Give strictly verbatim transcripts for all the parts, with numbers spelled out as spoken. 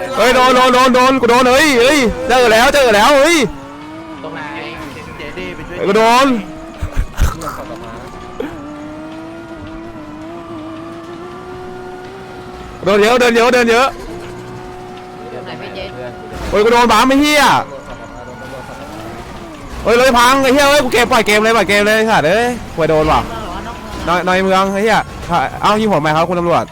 เฮ้ยโดนโดนโดนโดนกูโดนเฮ้ยเฮ้ยเจอแล้วเจอแล้วเฮ้ยตรงไหนเจดีไปช่วยกูโดนโดนเยอะเดินเยอะเดินเยอะโอ้ยกูโดนบ้าไม่เฮียเฮ้ยเลยพังไอ้เฮียเฮ้ยกูเกมปล่อยเกมเลยปล่อยเกมเลยสัตว์เอ้ยกูโดนว่ะในในเมืองไอ้เฮียเอ้ายิงผมไหมครับคุณตำรวจ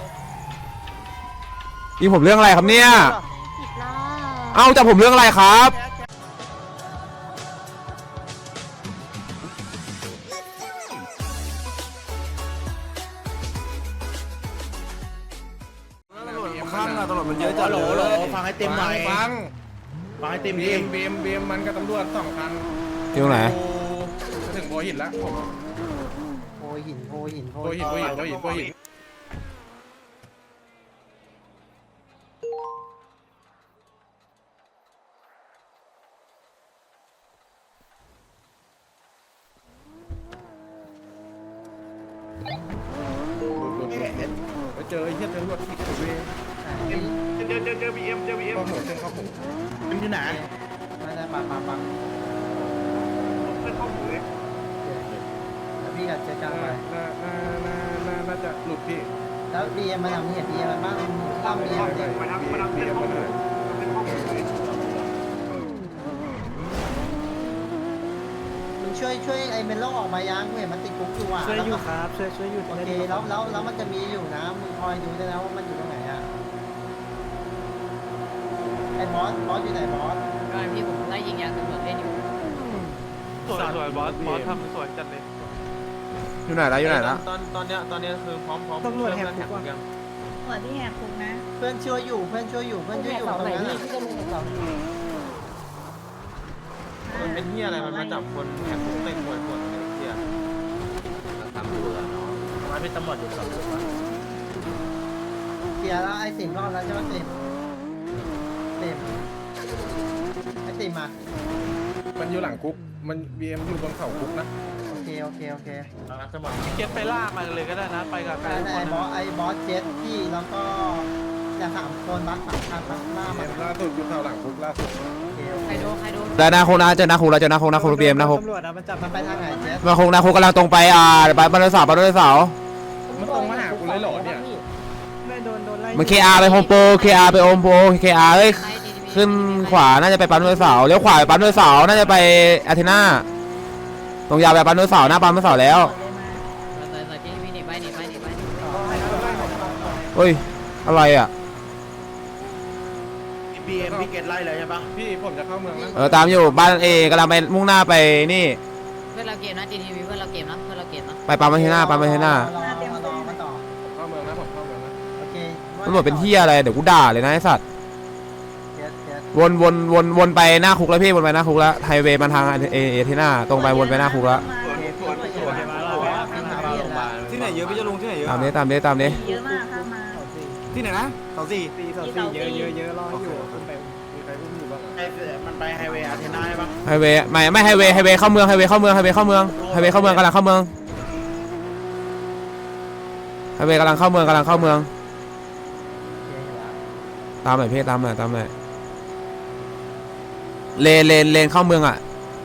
ยิงผมเรื่องอะไรครับเนี่ยเอ้าจับผมเรื่องอะไรครับข้างอะตำรวจมันเยอะจัดเลยฟังให้เต็มหน่อยฟังฟังให้เต็มบีมบีมบีมมันกับตำรวจสองคันที่ตรงไหนจะถึงโพหินแล้วผมโพหินโพหินโพโพหินโพหินโพหินโพหินไปเจอไอ้เหี้ยตำรวจที่เวเจอเจอเจอบีเอ็มเจอบีเอ็มเข้าหัวเส้นเข้าหัวมันอยู่ไหนมาได้ปังปังปังเส้นเข้าหัวเลยแล้วพี่กับเจ๊จ้างไปน่าน่าน่าน่าน่าจะหลุดพี่แล้วบีเอ็มมาทำเห็นบีเอ็มมันบ้างตั้มบีเอ็มเลยมาทำมาทำเส้นเข้าหัวมึงช่วยช่วยไอ้เมลโล่ออกมายังเห็นมันติดคุกอยู่อ่ะช่วยอยู่ครับช่วยช่วยอยู่โอเคแล้วแล้วแล้วมันจะมีอยู่นะมึงคอยดูด้วยนะว่ามันอยู่ตรงไหนอ่ะไอ้บอสบอสอยู่ไหนบอสก็พี่ผมไล่ยิงยางตำรวจเล่นอยู่สวยสวยบอสบอสทำสวยจัดเลยอยู่ไหนแล้วอยู่ไหนแล้วตอนตอนเนี้ยตอนเนี้ยคือพร้อมพร้อมตำรวจแหกคุกยังตำรวจที่แหกคุกนะเพื่อนช่วยอยู่เพื่อนช่วยอยู่เพื่อนช่วยอยู่ตรงนั้นอ่ะมันเป็นเหี้ยอะไรมันมาจับคนแหกคุกเต็มหมดหมดเลยเหี้ยตำรวจเนาะมันเป็นตำรวจอยู่สองคนเกียร์แล้วไอ้สิมรอดแล้วใช่ไหมสิมสิมไอ้สิมมามันอยู่หลังคุกมันบีเอ็มอยู่บนเขาคุกนะโอเคโอเคโอเคสมองเก็ตไปล่ามันเลยก็ได้นะไปกับใครไอ้บอสไอ้บอสเจ็ตพี่แล้วก็อย่าสามคนบัสสามคันบัสล่ามาล่าสุดอยู่แถวหลังคุกล่าสุดใครโดนใครโดนแต่นาโคนาเจอนาโคนาเจอนาโคนาโคเบียมนาโคตำรวจมันจับมันไปทางไหนเจ็ตนาโคนาโคกำลังตรงไปอ่าไปบ้านเสาบ้านเสามันตรงมาหากูเลยหรอเนี่ยมันเคอาร์ไปโฮมโปรเคอาร์ไปโฮมโปรเคอาร์เอ้ยขึ้นขวาน่าจะไปปั๊มด้วยเสาเลี้ยวขวาไปปั๊มด้วยเสาน่าจะไปอาเทน่าตรงยาวไปปั๊มด้วยเสาหน้าปั๊มด้วยเสาแล้วเฮ้ยอะไรอ่ะบีเอ็มพี่เกตไล่เลยใช่ปะพี่ผมจะเข้าเมืองแล้วเออตามอยู่บ้านเอกำลังไปมุ่งหน้าไปนี่เพื่อนเราเกมนะจีทีวีเพื่อนเราเกมนะเพื่อนเราเกมนะไปปั๊มอาเทน่าปั๊มอาเทน่าเข้าเมืองนะผมเข้าเมืองนะโอเคตำรวจเป็นเที่ยอะไรเดี๋ยวกูด่าเลยนะไอ้สัตว์วนวนวนวนไปหน้าคุกแล้วพี่วนไปหน้าคุกแล้วไฮเวย์มาทางเอเอเทน่าตรงไปวนไปหน้าคุกแล้วที่ไหนเยอะพี่จะลงที่ไหนเยอะตามนี้ตามนี้ตามนี้เยอะมากครับมาที่ไหนนะเสาสี่เสาสี่เยอะเยอะเยอะรออยู่ไปมีใครอุ้มอยู่บ้างมันไปไฮเวย์อาเทน่าใช่ปะไฮเวย์ไม่ไม่ไฮเวย์ไฮเวย์เข้าเมืองไฮเวย์เข้าเมืองไฮเวย์เข้าเมืองไฮเวย์เข้าเมืองกำลังเข้าเมืองไฮเวย์กำลังเข้าเมืองกำลังเข้าเมืองตามหน่อยพี่ตามหน่อยตามหน่อยเลนเลนเลนเข้าเมืองอ่ะ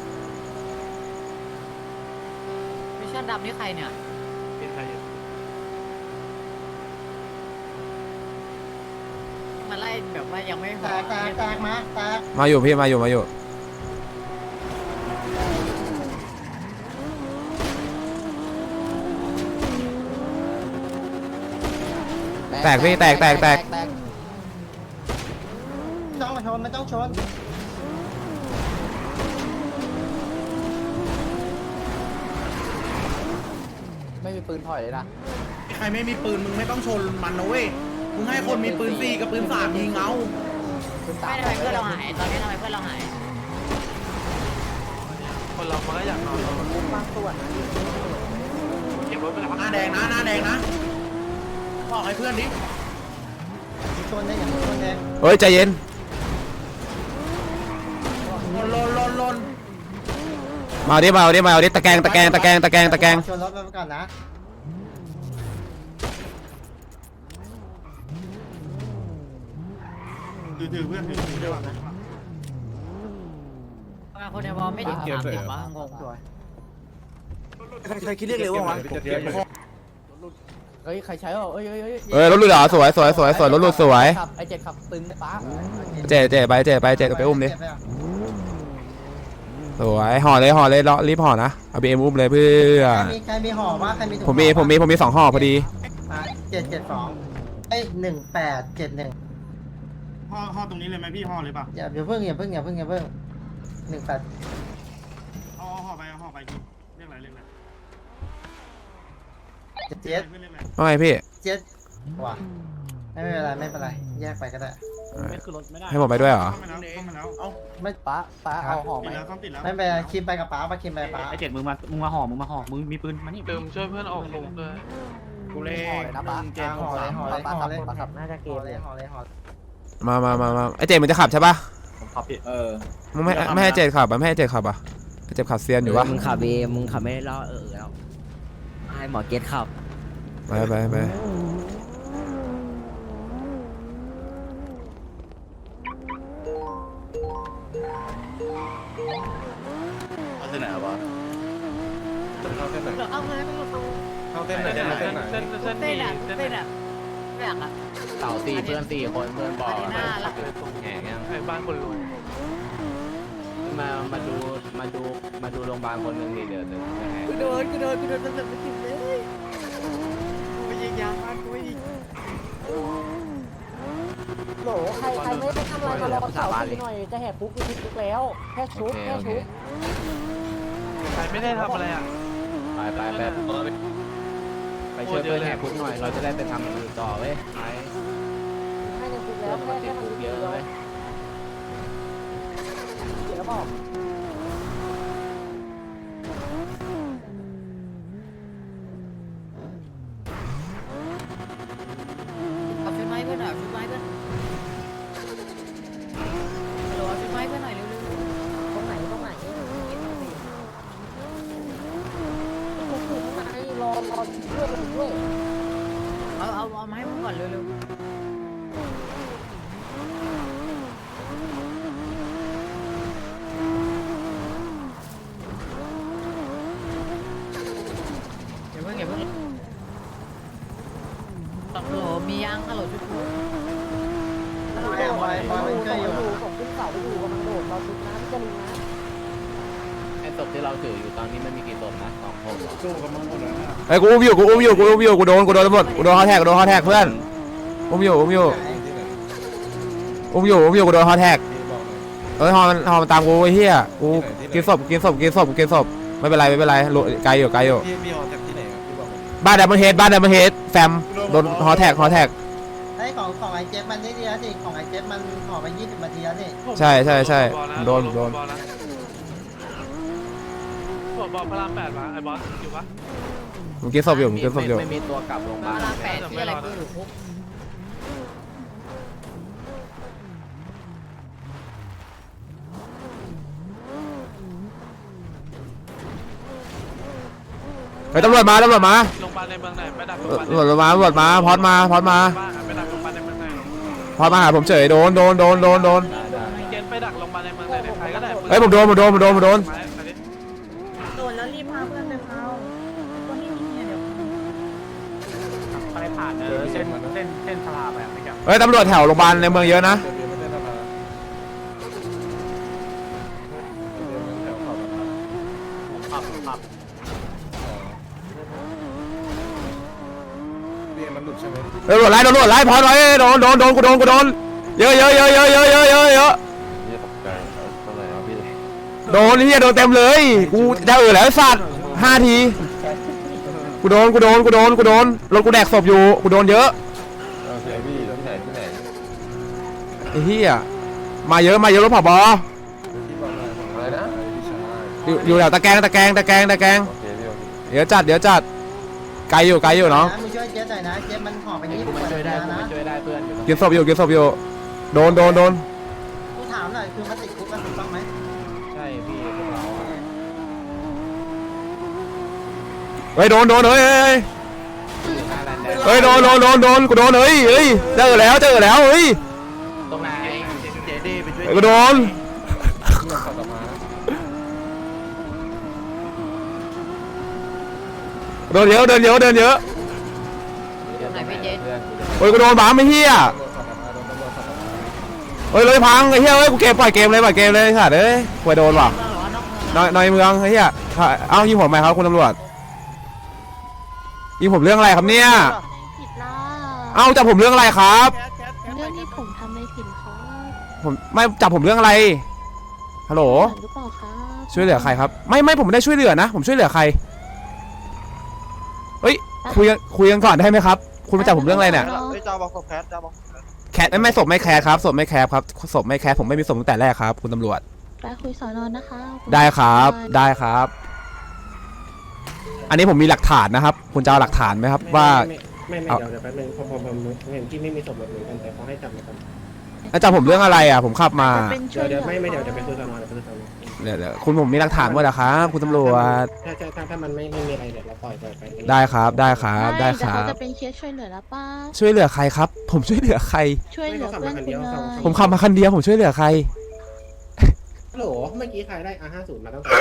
มิชชั่นดำนี่ใครเนี่ยเป็นใครมาไล่แบบว่ายังไม่พอแตกแตกแตกมาแตกมาอยู่พี่มาอยู่มาอยู่แตกพี่แตกแตกแตกไม่ต้องชนไม่ต้องชนไม่มีปืนถอยเลยนะใครไม่มีปืนมึงไม่ต้องชนมันนะเว้ยมึงให้คนมีปืนสี่กับปืนสามยิงเอาไม่ทำไมเพื่อนเราหายตอนนี้ทำไมเพื่อนเราหายคนเรามันก็อยากนอนมันมุ่งมากส่วนเก็บรถไปแล้วหน้าแดงนะหน้าแดงนะบอกให้เพื่อนดิชนได้อย่างชนแดงเฮ้ยใจเย็นลนลนลนมาดิมาดิมาดิตะแกงตะแกงตะแกงตะแกงตะแกงชนรถไปก่อนนะถือถือเพื่อนถือถือคนในวอลไม่ถึงสามสิบวะงงตัวใครคิดเรียกเร็ววะเฮ้ยใครใช้อ่ะเอ้ยเอ้ยเอ้ยเอ้ยรถหลุดเหรอสวยสวยสวยสวยรถหลุดสวยขับไอเจ็ดขับตึงป้าเจ๊เจ๊ไปเจ๊ไปเจ๊ไปอุ้มดิสวยห่อเลยห่อเลยรีบห่อนะเอาบีเอ็มอุ้มเลยเพื่อใครมีใครมีห่อว่าใครมีผมมีผมมีผมมีสองห่อพอดีเจ็ดเจ็ดสองเอ้ยหนึ่งแปดเจ็ดหนึ่งห่อห่อตรงนี้เลยไหมพี่ห่อเลยป่ะอย่าอย่าเพิ่งอย่าเพิ่งอย่าเพิ่งอย่าเพิ่งหนึ่งแปดเอาห่อไปเอาห่อไปกี่เรียกอะไรเรียกอะไรเจ็ดเจ็ดว่าไงพี่เจ็ดว่ะไม่เป็นไรไม่เป็นไรแยกไปก็ได้ให้ผมไปด้วยเหรอไม่ป้าป้าเอาห่อไหมไม่เป็นไรคิมไปกับป้าป้าคิมไปป้าไอเจ็ดมึงมา มึงมาห่อ มึงมาห่อ มึงมีปืนมานี่ลืมช่วยเพื่อนออกลงด้วยกูเล่ห่อเลยนะป้าเจ็ดห่อเลยห่อเลยห่อเลยห่อเลยน่าจะเกห่อมเลยห่อเลยห่อมามามามาไอเจมันจะขับใช่ปะผมขับพี่เออมึงไม่ไม่ให้เจขับอ่ะไม่ให้เจขับอ่ะเจขับเซียนอยู่วะมึงขับเองมึงขับไม่ได้รอเออแล้วให้หมอเกตขับไปไปไปเอาเส้นไหนวะเข้าเส้นไหนเอาเลยเข้าเส้นไหนเส้นไหนเส้นเส้นเต้นอ่ะเส้นเต้นอ่ะไม่อยากอ่ะเต่าสี่เพื่อนสี่คนเพื่อนบอกอารีน่าละแหงยังไอ้บ้านคนรวยมามาดูมาดูมาดูโรงพยาบาลคนหนึ่งดิเดี๋ยวเดี๋ยวแหงกูโดนกูโดนกูโดนตำรวจไม่ติดเลยกูยิงยางบ้านกูอีกโหลใครใครไม่ได้ทำอะไรมารอเสาตีหน่อยจะแหกคุกคือคุกแล้วแค่ชุบแค่ชุบใครไม่ได้ทำอะไรอ่ะไปไปไปไปช่วยเพื่อนแหกคุกหน่อยเราจะได้ไปทำอย่างอื่นต่อเว้ยไปให้ในคุกเพื่แล้อวนมัแค่นติแค่ดมันคุกเยอะเลยเดี๋ยวบอกเอาชุดไม้เพื่อนหน่อยชุดไม้เพื่อนฮัลโหลเอาชุดไม้เพื่อนหน่อยเร็วตรงไหนตรงไหนคุกคือข้างในรอรอเพื่อนกันด้วยๆเอาเอาเอามาให้มึงก่อนเร็วๆอย่าเพิ่งอย่าเพิ่งฮัลโหลมียังฮัลโหลชุดกูบอยบอยบอยมันช่วยอยู่ส่งขึ้นเสาไปอยู่กำลังโดดรอชุบนะพี่จะลิงนะไอ้ศพที่เราถืออยู่ตอนนี้มันมีกี่ศพนะสองศพเหรอสู้กับมึงหมดเลยนะไอ้กูอุ้มอยู่กูอุ้มอยู่กูอุ้มอยู่กูโดนกูโดนตำรวจกูโดนฮอแท็กกูโดนฮอแท็กเพื่อนอุ้มอยู่อุ้มอยู่อุ้มอยู่อุ้มอยู่กูโดนฮอแท็กพี่บอกเลยเอ้ยฮอมันฮอมันตามกูไอ้เหี้ยกูกินศพกินศพกินศพกินศพไม่เป็นไรไม่เป็นไรโหลไกลอยู่ไกลอยู่พี่พี่ออกจากที่ไหนครับพี่บอกเลยบ้านดับเบิลเฮดบ้านดับเบิลเฮดแฟมโดนฮอแท็กฮอแท็กไอ้ของของไอ้เจ็บมันนี่ดีแล้วสิของไอ้เจ็บมันห่อไปยี่สิบนาทีแล้วนี่ใช่ใช่ใช่โดนโดนผมบอกพระรามแปดมาไอ้บอสอยู่ปะผมกินศพอยู่ผมกินศพอยู่ไม่มีตัวกลับโรงพยาบาลเวลาแปดที่อะไรกูอยู่คุกเฮ้ยตำรวจมาตำรวจมาโรงพยาบาลในเมืองไหนไปดักโรงพเอยาบาลตำรวจมาตำรวจมาพอดมาพอดมาไปดักโรงพยาบาลในเมืองไหนพอดมาหาผมเฉยโดนโดนโดนโดนโดนเกณฑ์ไปดักโรงพยาบาลในเมืองไหนใครก็ได้เฮ้ยผมโดนผมโดนผมโดนผมโดนโดนแล้วรีบพาเพื่อนไปเผาคนที่มีเนี่ยเดี๋ยวไปผ่านเออเส้นเส้นเส้นพาราไปอ่ะไม่ใช่เฮ้ยตำรวจแถวโรงพยาบาลในเมืองเยอะนะเดี๋ยวพี่ไม่ได้ทำมาเดี๋ยวมันแถวขอบนะครับขับขับพี่มันหลุดใช่ไหมเฮ้ยตำรวจไล่ตำรวจไล่พอดไว้โดนโดนโดนกูโดนกูโดนเยอะเยอะเยอะเยอะเยอะเยอะเยอะเยอะนี่ตกใจเท่าไหร่ครับพี่โดนนี่โดนเต็มเลยกูจะเออแล้วสัตว์ห้าทีกูโดนกูโดนกูโดนกูโดนรถกูแดกศพอยู่กูโดนเยอะโอเคพี่ที่ไหนที่ไหนไอ้เหี้ยมาเยอะมาเยอะรถผบพี่บอกเลยอะไรนะพี่ชายอยู่อยู่แถวตะแกรงตะแกรงตะแกรงตะแกรงโอเคพี่โอเคเดี๋ยวจัดเดี๋ยวจัดไกลอยู่ไกลอยู่เนาะมึงช่วยเจ็บหน่อยนะเจ็บมันห่อไปยี่สิกูบมานาช่วยทีได้แล้วกูนะมาช่วยได้เพื่อนอยู่กินศพอยู่กินศพอยู่โดนโดนโดนกูถามหน่อยคือมันติดคุกกันถูกต้องไหมใช่พี่พวกเราอะเฮ้ยโดนโดนเฮ้ยเฮ้ยอยู่หน้าแลนด์แดงเฮ้ยโดนโดนโดนโดนกูโดนเฮ้ยเฮ้ยเจอแล้วเจอแล้วเฮ้ยตรงไหนดิไปช่วยไอ้กูโดนเดินเยอะเดินเยอะเดินเยอะโอ้ยกูโดนบ้าไม่เฮียเฮ้ยเลยพังไอ้เฮียเฮ้ยกูเกมปล่อยเกมเลยปล่อยเกมเลยสัตว์เอ้ยกูโดนว่ะนอยนอยเมืองไอ้เฮียเอ้ายิงผมไหมครับคุณตำรวจยิงผมเรื่องอะไรครับเนี่ยผิดล่ะเอ้าจับผมเรื่องอะไรครับเรื่องที่ผมทำในผิดครับผมไม่จับผมเรื่องอะไรฮัลโหลหรือเปล่าครับช่วยเหลือใครครับไม่ไม่ผมไม่ได้ช่วยเหลือนะผมช่วยเหลือใครเฮ้ยคุยกันคุยกันก่อนได้ไหมครับคุณมาจับผมเรื่องอะไรเนี่ยเฮ้ยจ้าบอกศพแคทจ้าบอกแคทไม่ไม่ศพไม่แคร์ครับศพไม่แคร์ครับศพไม่แคร์ผมไม่มีศพตั้งแต่แรกครับคุณตำรวจไปคุยสอนอนนะคะได้ครับได้ครับ อันนี้ผมมีหลักฐานนะครับ คุณจะเอาหลักฐานไหมครับว่าไม่ไม่เดี๋ยวเดี๋ยวแป๊บนึงผมผมผมเห็นที่ไม่มีศพแบบเหมือนกันแต่เขาให้จับเหมือนกันแล้วจับผมเรื่องอะไรอ่ะผมขับมาเป็นช่วยเหลือไม่ไม่เดี๋ยวจะไปคุยกันนอนเดี๋ยวไปคุยกันนอนเดี๋ยวเดี๋ยวคุณผมมีหลักฐานหมดนะครับคุณตำรวจถ้าถ้าถ้าถ้ามันไม่ไม่มีอะไรเดี๋ยวเราปล่อยปล่อยไปได้ครับได้ครับได้คแต่รัเขาบจะเป็นเคสช่วยเหลือแล้วป้าช่วยเหลือใครครับ ผมช่วยเหลือใครช่วยเหลือเพื่อนคุณเลยผมขับมาคันเดียวผมช่วยเหลือใครฮัลโหลเมื่อกี้ใครได้ อาร์ ห้าสิบ มาตั้งแต่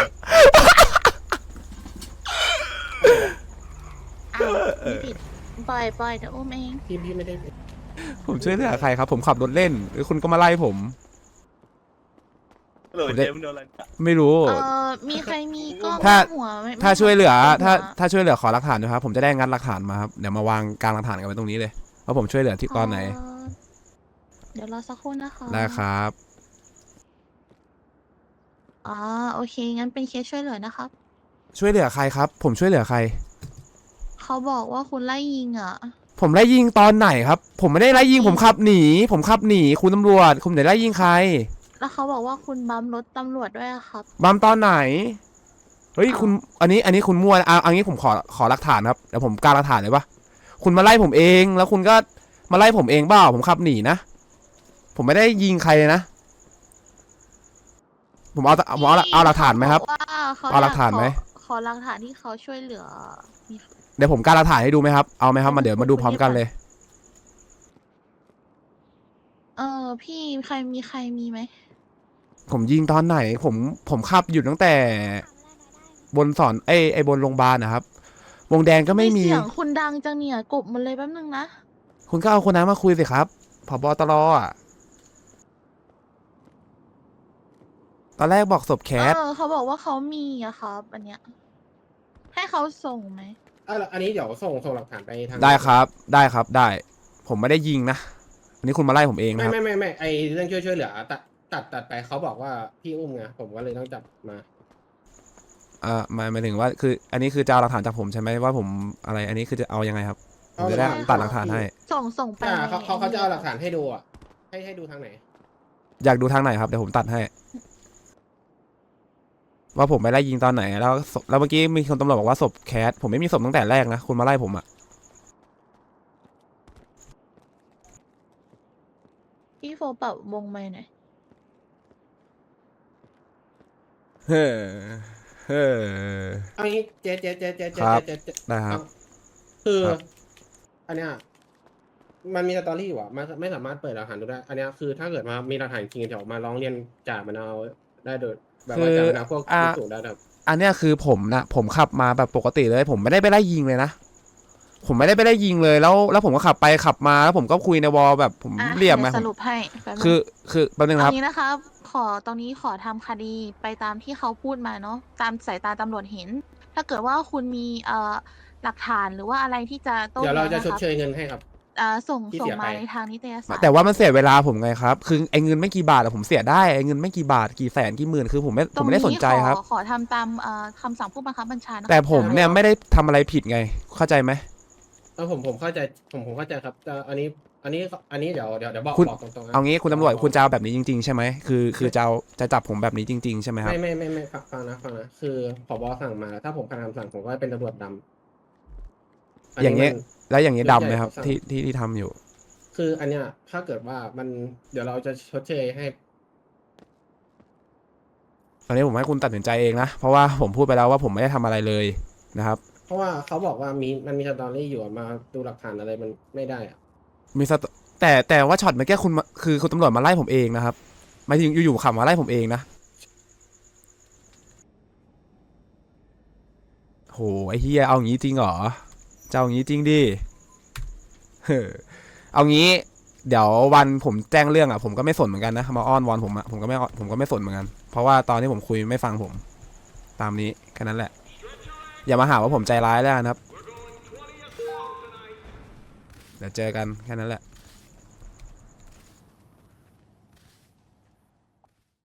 อ้าวไม่ผิดปล่อยปล่อยเดี๋ยวอุ้มเองทีมพี่ไม่ได้ผมช่วยเหลือใครครับ ผมขับรถเล่นหรือคุณก็มาไล่ผมโหลเจมโดนอะไรไม่รู้เออมีใครมีกล้องถ้าหัวไหมถ้าช่วยเหลือไม่ถ้าหัวถ้าช่วยเหลือขอหลักฐานด้วยครับผมจะได้งัดหลักฐานมาครับเดี๋ยวมาวางกลางหลักฐานกันไว้ตรงนี้เลยว่าผมช่วยเหลือที่ตอนไหนเอ่อเดี๋ยวรอสักครู่นะคะได้ครับอ๋อโอเคงั้นเป็นเคสช่วยเหลือนะครับช่วยเหลือใครครับ ผมช่วยเหลือใครเขาบอกว่าคุณไล่ยิงอ่ะผมไล่ยิงตอนไหนครับ ผมไม่ได้ไล่ยิงผมขับหนี ผมขับหนีคุณตำรวจคุณไหนไล่ยิงใครแล้วเขาบอกว่าคุณบัมรถตำรวจด้วยอะครับบัมตอนไหนเฮ้ยคุณอันนี้อันนี้คุณมั่วนะเอาอันนี้ผมขอขอหลักฐานครับเดี๋ยวผมกางหลักฐานเลยปะคุณมาไล่ผมเองแล้วคุณก็มาไล่ผมเองเปล่าผมขับหนีนะผมไม่ได้ยิงใครเลยนะผมเอาผมเอาเอาหลักฐานไหมครับว่าเขาเอาหลักฐานไหมขอขอหลักฐานที่เขาช่วยเหลือมีเดี๋ยวผมกางหลักฐานให้ดูไหมครับเอาไหมครับมาเดี๋ยวมาดูพร้อมกันเลยเออพี่ใครมีใครมีไหมผมยิงตอนไหน ผมผมขับอยู่ตั้งแต่ บนสอนไอไอบนโรงพยาบาลนะครับ วงแดงก็ไม่มีเสียงคุณดังจังเนี่ยกบมันเลยแป๊บนึงนะคุณก็เอาคนนั้นมาคุยสิครับผบตรอ่ะตอนแรกบอกศพแคทเออเขาบอกว่าเขามีอะครับอันเนี้ยให้เขาส่งไหมอ่ะอันนี้เดี๋ยวส่งส่งหลักฐานไปทางได้ครับได้ครับได้ ผมไม่ได้ยิงนะอันนี้คุณมาไล่ผมเองไม่นะครับไม่ไม่ไม่ไอเรื่องช่วยช่วยเหลือตัดตัดตัดไปเขาบอกว่าพี่อุ้มไงผมก็เลยต้องจับมาอ่าหมายหมายถึงว่าคือ อันนี้คือจะเอาหลักฐานจากผมใช่ไหมว่าผมอะไร อันนี้คือจะเอายังไงครับผมจะได้ตัดหลักฐานให้ส่งส่งไปอ่าเขาเขาเขาจะเอาหลักฐานให้ดูอ่ะให้ให้ดูทางไหนอยากดูทางไหนครับเดี๋ยวผมตัดให้ ว่าผมไปไล่ยิงตอนไหนแล้วศพแล้วเมื่อกี้มีคนตำรวจบอกว่าศพแคทผมไม่มีศพตั้งแต่แรกนะคุณมาไล่ผมอ่ะพี่โฟปรับวงไม้หน่อยเฮ้อเฮ้อเอางี้เจ๊เจ๊เจ๊เจ๊เจ๊ครับเจ๊เจ๊ได้ครับคือครับอันเนี้ยมันมีสตอรี่อยู่อ่ะมันไม่สามารถเปิดหลักฐานดูได้ อันเนี้ยคือถ้าเกิดมามีหลักฐานจริงเดี๋ยวมาร้องเรียนจ่ามันเอาได้โดยแบบว่าจ่ามันเอาพวกพิสูจน์ได้แบบอันเนี้ยคือผมนะผมขับมาแบบปกติเลย ผมไม่ได้ไปไล่ยิงเลยนะผมไม่ได้ไปไล่ยิงเลยแล้ว แล้วผมก็ขับไปขับมาแล้วผมก็คุยในวอลแบบผมอ่ะเรียบไหมดี๋วสรุปให้แป๊บนึงคือคือแป๊บนึงนะครับเอางี้นะครับ ขอตรงนี้ขอทำคดีไปตามที่เขาพูดมาเนาะตามสายตาตำรวจเห็น ถ้าเกิดว่าคุณมีเอ่อหลักฐานหรือว่าอะไรที่จะโต้เดี๋ยวเราจะแย้งชดนคบเชยเงินให้ครับเอ่อส่งที่ส่งเสียมาไปในทางนิตยสารแต่ว่ามันเสียเวลาผมไงครับ คือไอ้เงินไม่กี่บาทอะผมเสียได้ไอ้เงินไม่กี่บาทกี่แสนกี่หมื่นคือผมไม่ผมไม่ได้สนใจครับขอขอทำตามเอ่อคำสั่งผู้บังคับบัญชานะคะแต่ผมเนี่ยไม่ได้ทำอะไรผิดไงเข้าใจไหมเออผมผมเข้าใจผมผมเข้าใจครับแต่อันนี้อันนี้อันนี้เดี๋ยวเดี๋ยวเดี๋ยวบอกคุณบอกตรงๆนะเอางี้คุณตำรวจคุณจะเอาแบบนี้จริงๆใช่ไหมคือคือจะเอาจะจับผมแบบนี้จริง ๆใช่ไหมครับไม่ไม่ไม่ไม่ฟังฟังนะฟังนะคือผบสั่งมาถ้าผมขัดคำสั่งผมก็เป็นตำรวจดำอย่างเงี้ยมันแล้วอย่างนี้ดำไหมครับใช่ครับที่ที่ที่ทำอยู่คืออันเนี้ยถ้าเกิดว่ามันเดี๋ยวเราจะชดเชยให้ตอนนี้ผมให้คุณตัดสินใจเองนะเพราะว่าผมพูดไปแล้วว่าผมไม่ได้ทำอะไรเลยนะครับเพราะว่าเขาบอกว่ามีมันมีสตอรี่อยู่อะมาดูหลักฐานอะไรมันไม่ได้อะมีสตแต่แต่ว่าช็อตเมื่อกี้คุณมาคือคุณตำรวจมาไล่ผมเองนะครับหมายถึงอยู่ๆขับมาไล่ผมเองนะโหไอ้เฮียเอางี้จริงเหรอจะเอางี้จริงดิเฮ้อเอางี้เดี๋ยววันผมแจ้งเรื่องอ่ะผมก็ไม่สนเหมือนกันนะมาอ้อนวอนผมอ่ะผมก็ไม่ผมก็ไม่สนเหมือนกันเพราะว่าตอนที่ผมคุยไม่ฟังผมตามนี้แค่นั้นแหละอย่ามาหาว่าผมใจร้ายแล้วนะครับเดี๋ยวเจอกันแค่นั้นแหละ